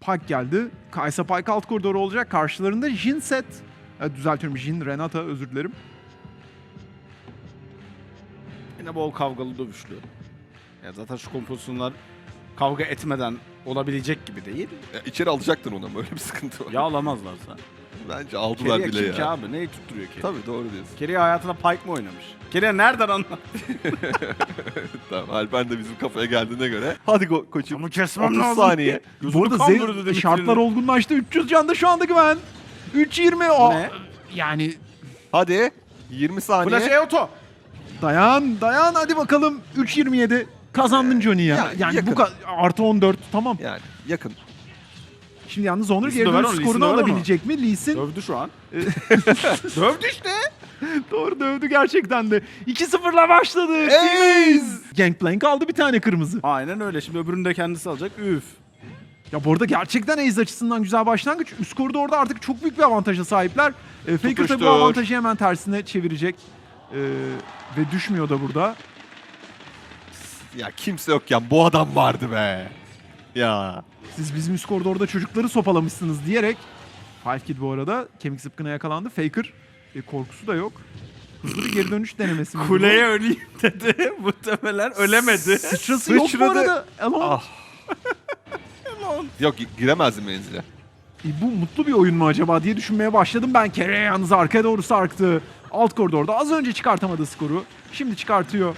Pike geldi. Kaysa Pike alt koridoru olacak. Karşılarında Jhin set. Düzeltiyorum, Jhin, Renata, özür dilerim. Yine bol kavgalı dövüşlü. Ya zaten şu kompozisyonlar kavga etmeden olabilecek gibi değil. İçeri alacaktın ona, böyle bir sıkıntı var. Ya alamazlarsa. Bence aldılar Keria bile kim ki ya. abi? Neyi tutturuyor Keria? Tabii doğru diyorsun. Keria hayatında Pike mi oynamış? Keria nereden anlar? Tamam, Alper de bizim kafaya geldiğine göre. Hadi koçum. Ama kesmem 30 lazım. saniye. Bu arada şartlar olgunlaştı. 300 canda şu anda güven. 3.20. O Ne? yani Hadi. 20 saniye. Flash Eoto. dayan hadi bakalım. 3.27 kazandın Johnny ya. Yani yakın. bu artı 14 tamam. Yani yakın. Şimdi yalnız Onur Lee Sin geri döver dönüş onu, Lee skorunu Sin döver onu. alabilecek mi? Lee Sin Dövdü şu an. Dövdü işte. doğru dövdü gerçekten de. 2-0'la başladı. Ace! Gangplank aldı bir tane kırmızı. Aynen öyle. Şimdi öbürünü de kendisi alacak. Üf. Ya bu arada gerçekten Ace açısından güzel başlangıç. Üst koridorda artık çok büyük bir avantaja sahipler. Faker tabii bu Tutuştur. avantajı hemen tersine çevirecek. Ve düşmüyor da burada. Ya kimse yokken bu adam vardı be. Ya. Siz bizim üst koridorda çocukları sopalamışsınız diyerek. Five Kid bu arada kemik zıpkına yakalandı. Faker korkusu da yok. Hızlı bir geri dönüş denemesi mi? Kuleye öleyim dedi. Muhtemelen ölemedi. Sıçrası yok bu Sıçradı. arada. Elon. Ah. Yok, giremezdi menzile. Bu mutlu bir oyun mu acaba diye düşünmeye başladım ben. Keria yalnız arkaya doğru sarktı. Alt koridorda az önce çıkartamadı skoru. Şimdi çıkartıyor.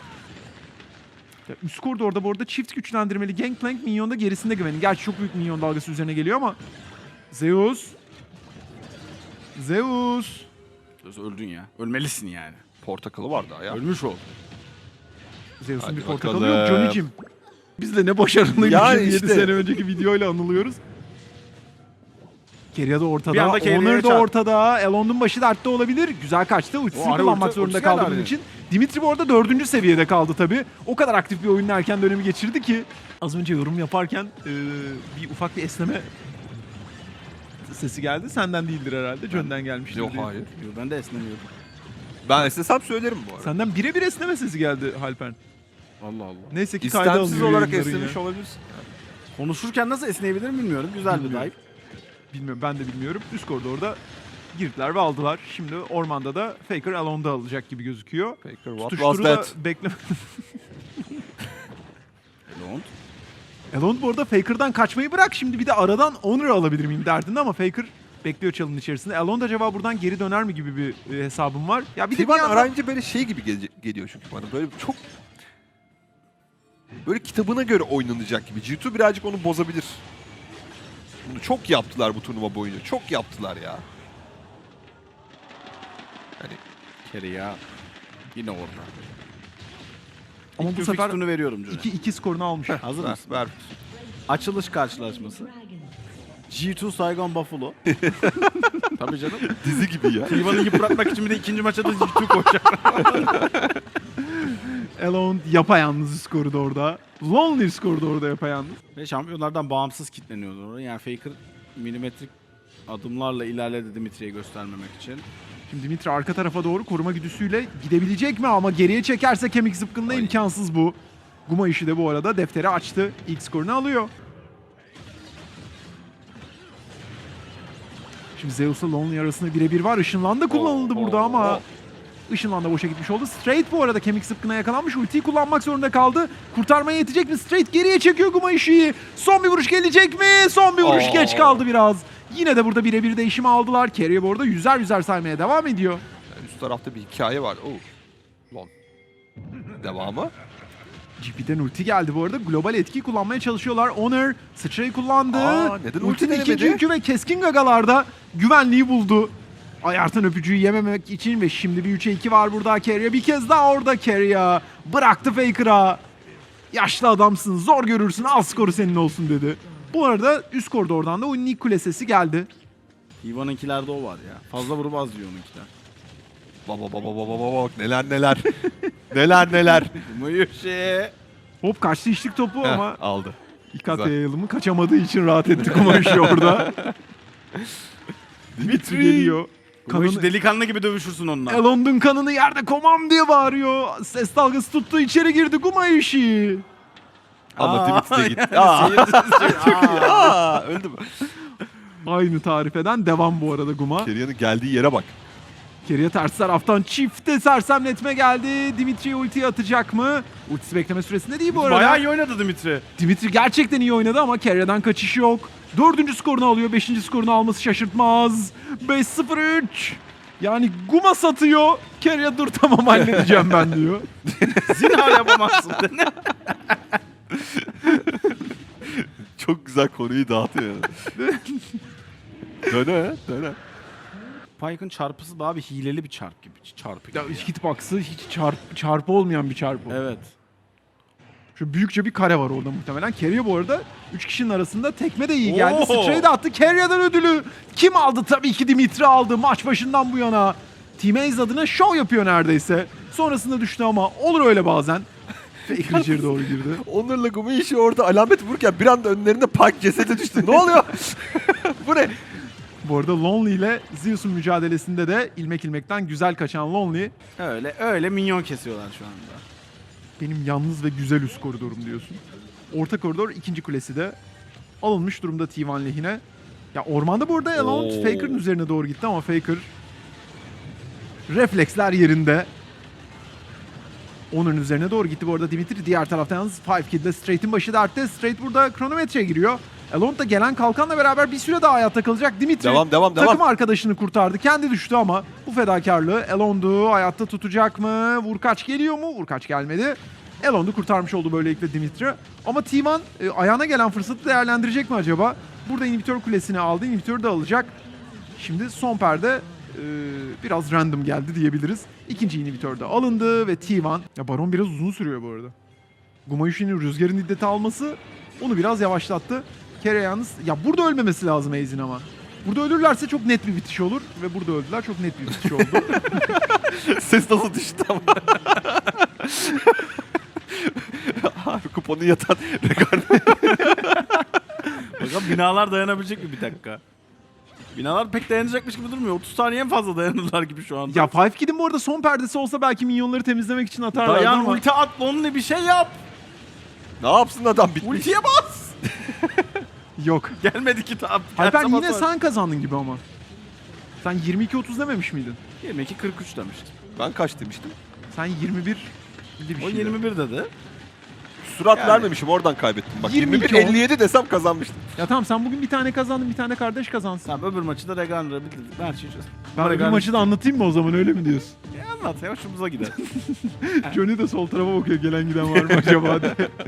Ya üst koridorda bu arada çift güçlendirmeli Gangplank minyonda gerisinde güvenin. Gerçi çok büyük minyon dalgası üzerine geliyor ama. Zeus. Öldün ya. Ölmelisin yani. Portakalı vardı ya. Ölmüş ol. Zeus'un Hadi bir portakalı bakalım. yok. Johnny'cim. Biz de ne başarılıymışız Yani 7 işte. sene önceki videoyla anılıyoruz. Keria da Bir ortada, anda Keria'ya Honor da çarp. ortada, Elon'un başı dertte olabilir. Güzel kaçtı, ultisini Ari kullanmak ulti- zorunda ultisi kaldı geldi bunun Ari'nin. için. Dimitri bu arada 4. seviyede kaldı tabii. O kadar aktif bir oyunun erken dönemi geçirdi ki. Az önce yorum yaparken bir ufak bir esneme sesi geldi. Senden değildir herhalde, John'den gelmiştir. Yok diye. hayır. Yo, ben de esnemiyordum. Ben istesem söylerim bu arada. Senden birebir esneme sesi geldi Halpern. Allah Allah. Neyse ki kayda İstemsiz alınıyor olarak yayınların esnemiş ya. olabilirsin. Konuşurken nasıl esneyebilirim bilmiyorum. Güzel bir Bilmiyorum. dive. Bilmiyorum, ben de bilmiyorum. Üst koridorda girdiler ve aldılar. Şimdi ormanda da Faker Elon'da alacak gibi gözüküyor. Faker, what was Tutuşturu da that? bekleme. Elon. Elon bu arada Faker'dan kaçmayı bırak. Şimdi bir de aradan Honor alabilir miyim derdinde ama Faker bekliyor çalının içerisinde. Elon da acaba buradan geri döner mi gibi bir hesabım var. Ya bir de bir Tiban yandan... arayınca böyle şey gibi geliyor çünkü bana. Böyle çok... Böyle kitabına göre oynanacak gibi. G2 birazcık onu bozabilir. Bunu çok yaptılar bu turnuva boyunca. Çok yaptılar ya. Yani Keria yine orada. Ama İlk bu sefer fixtunu veriyorum Johnny. 2 skorunu almış. Hazır ver, mısın? ver. Açılış karşılaşması. G2 Saigon Buffalo. Tabii canım. Dizi gibi ya. Tivan'ı yıpratmak için bir de ikinci maça da G2 koyacak. Elon yapayalnız skoru da orada. Lonely skoru da orada yapayalnız. Ve şampiyonlardan bağımsız kitleniyordu orada. Yani Faker milimetrik adımlarla ilerledi Dimitri'ye göstermemek için. Şimdi Dimitri arka tarafa doğru koruma güdüsüyle gidebilecek mi ama geriye çekerse kemik zıpkınla Ay. imkansız bu. Guma işi de bu arada defteri açtı. İlk skorunu alıyor. Şimdi Zeus'la Lonely arasında birebir var. Işınlan da kullanıldı burada ama Işınlan da boşa gitmiş oldu. Straight bu arada kemik zıpkına yakalanmış. Ultiyi kullanmak zorunda kaldı. Kurtarmaya yetecek mi? Straight geriye çekiyor Guma işi. Son bir vuruş gelecek mi? Son bir vuruş geç kaldı biraz. Yine de burada birebir değişimi aldılar. Keria bu arada yüzer saymaya devam ediyor. Yani üst tarafta bir hikaye var. Lan. Devamı. GP'den ulti geldi bu arada. Global etki kullanmaya çalışıyorlar. Honor sıçrayı kullandı. Neden ulti Ultinin denemedi? ikinci yükü ve keskin gagalarda güvenliği buldu. Ayartan öpücüğü yememek için ve şimdi bir 3'e 2 var burada. Keria bir kez daha orada Keria. Bıraktı Faker'a. Yaşlı adamsın, zor görürsün, al skoru senin olsun dedi. Bu arada üst koridordan da oyunun ilk kule sesi geldi. Tivan'ınkilerde o var ya. Fazla vurup az diyor onunkiler. Bak neler. neler. Muyuşi. Hop kaçtı içlik topu ama aldı. İkat Güzel. yayılımı kaçamadığı için rahat etti Kumaşı orada. Dimitri geliyor. Muyuşi Kanını, delikanlı gibi dövüşürsün onunla. Elond'un kanını yerde komam diye bağırıyor. Ses dalgası tuttu, içeri girdi Kumaşı. Ama Dimitri de gitti. Çok iyi. Öldü mü? Aynı tarif eden devam bu arada Guma. Kerya'nın geldiği yere bak. Keria ters taraftan çifte sersemletme geldi. Dimitri ultiyi atacak mı? Ultisi bekleme süresinde değil bu arada. Bayağı iyi oynadı Dimitri. Dimitri gerçekten iyi oynadı ama Keria'dan kaçış yok. 4. skorunu alıyor. 5. skorunu alması şaşırtmaz. 5-0-3. Yani Guma satıyor. Keria dur tamam halledeceğim ben diyor. Zinhar yapamazsın. Çok güzel konuyu dağıtıyor. Döne. Pyke'ın çarpısı daha bir hileli bir çarp gibi. Çarpı gibi. Ya hitbox'ı hiç çarpı olmayan bir çarpı. Evet. Şu büyükçe bir kare var orada muhtemelen. Keria bu arada 3 kişinin arasında tekme de iyi geldi. Oo. Sıçrayı da attı. Keria'dan ödülü. Kim aldı? Tabii ki Dimitri aldı maç başından bu yana. Team Ace adına şov yapıyor neredeyse. Sonrasında düştü ama olur öyle bazen. Faker içeri doğru girdi. Onur'la Gumi işi orada alamet vururken bir anda önlerinde Pike cesedi düştü. Ne oluyor? Bu ne? Bu arada Lonely ile Zeus'un mücadelesinde de ilmekten güzel kaçan Lonely Öyle minyon kesiyorlar şu anda. benim yalnız ve güzel üst koridorum diyorsun. Orta koridor ikinci kulesi de alınmış durumda T1 lehine. Ya ormanda bu arada Elrond Oo. Faker'ın üzerine doğru gitti ama Faker refleksler yerinde. Onun üzerine doğru gitti bu arada Dimitri. Diğer taraftan yalnız 5 Kid'le Straight'in başı dertte. Straight burada kronometreye giriyor. Elrond da gelen kalkanla beraber bir süre daha hayatta kalacak. Dimitri Devam. takım arkadaşını kurtardı. Kendi düştü ama bu fedakarlığı Elrond'u hayatta tutacak mı? Vurkaç geliyor mu? Vurkaç gelmedi. Elrond'u kurtarmış oldu böylelikle Dimitri. Ama T1 ayağına gelen fırsatı değerlendirecek mi acaba? Burada inhibitör kulesini aldı. İnhibitörü de alacak. Şimdi son perde biraz random geldi diyebiliriz. İkinci inhibitör de alındı ve T1... Ya Baron biraz uzun sürüyor bu arada. Gumayushi'nin rüzgarın iddeti alması onu biraz yavaşlattı. Keria yalnız... Ya burada ölmemesi lazım Aze'in ama. Burada ölürlerse çok net bir bitiş olur. Ve burada öldüler, çok net bir bitiş oldu. Ses nasıl düştü ama. Abi kuponu yatan rekor. Bakalım binalar dayanabilecek mi bir dakika? Binalar pek dayanacakmış gibi durmuyor. 30 saniye en fazla dayanırlar gibi şu anda. Ya Five Kid'in bu arada son perdesi olsa belki minyonları temizlemek için atarlardı Dayan ama... ulti at onunla bir şey yap. Ne yapsın adam bitmiş. Ultiye bas. Yok. Gelmedi ki tam. Alper Gelse yine basar. sen kazandın gibi ama. Sen 22-30 dememiş miydin? 22-43 demiştim. Ben kaç demiştim? Sen 21 bir O şeydi. 21 dedi. Surat Yani. vermemişim oradan kaybettim. Bak 22 21-57 desem kazanmıştım. Ya tamam sen bugün bir tane kazandın, bir tane kardeş kazansın. Tamam öbür maçı da Regan'la bitirdik. Her şeyi çözdük. Ben öbür maçı da anlatayım mı o zaman, öyle mi diyorsun? Anlat ya hoşumuza gider. Johnny de sol tarafa bakıyor, gelen giden var mı acaba diye.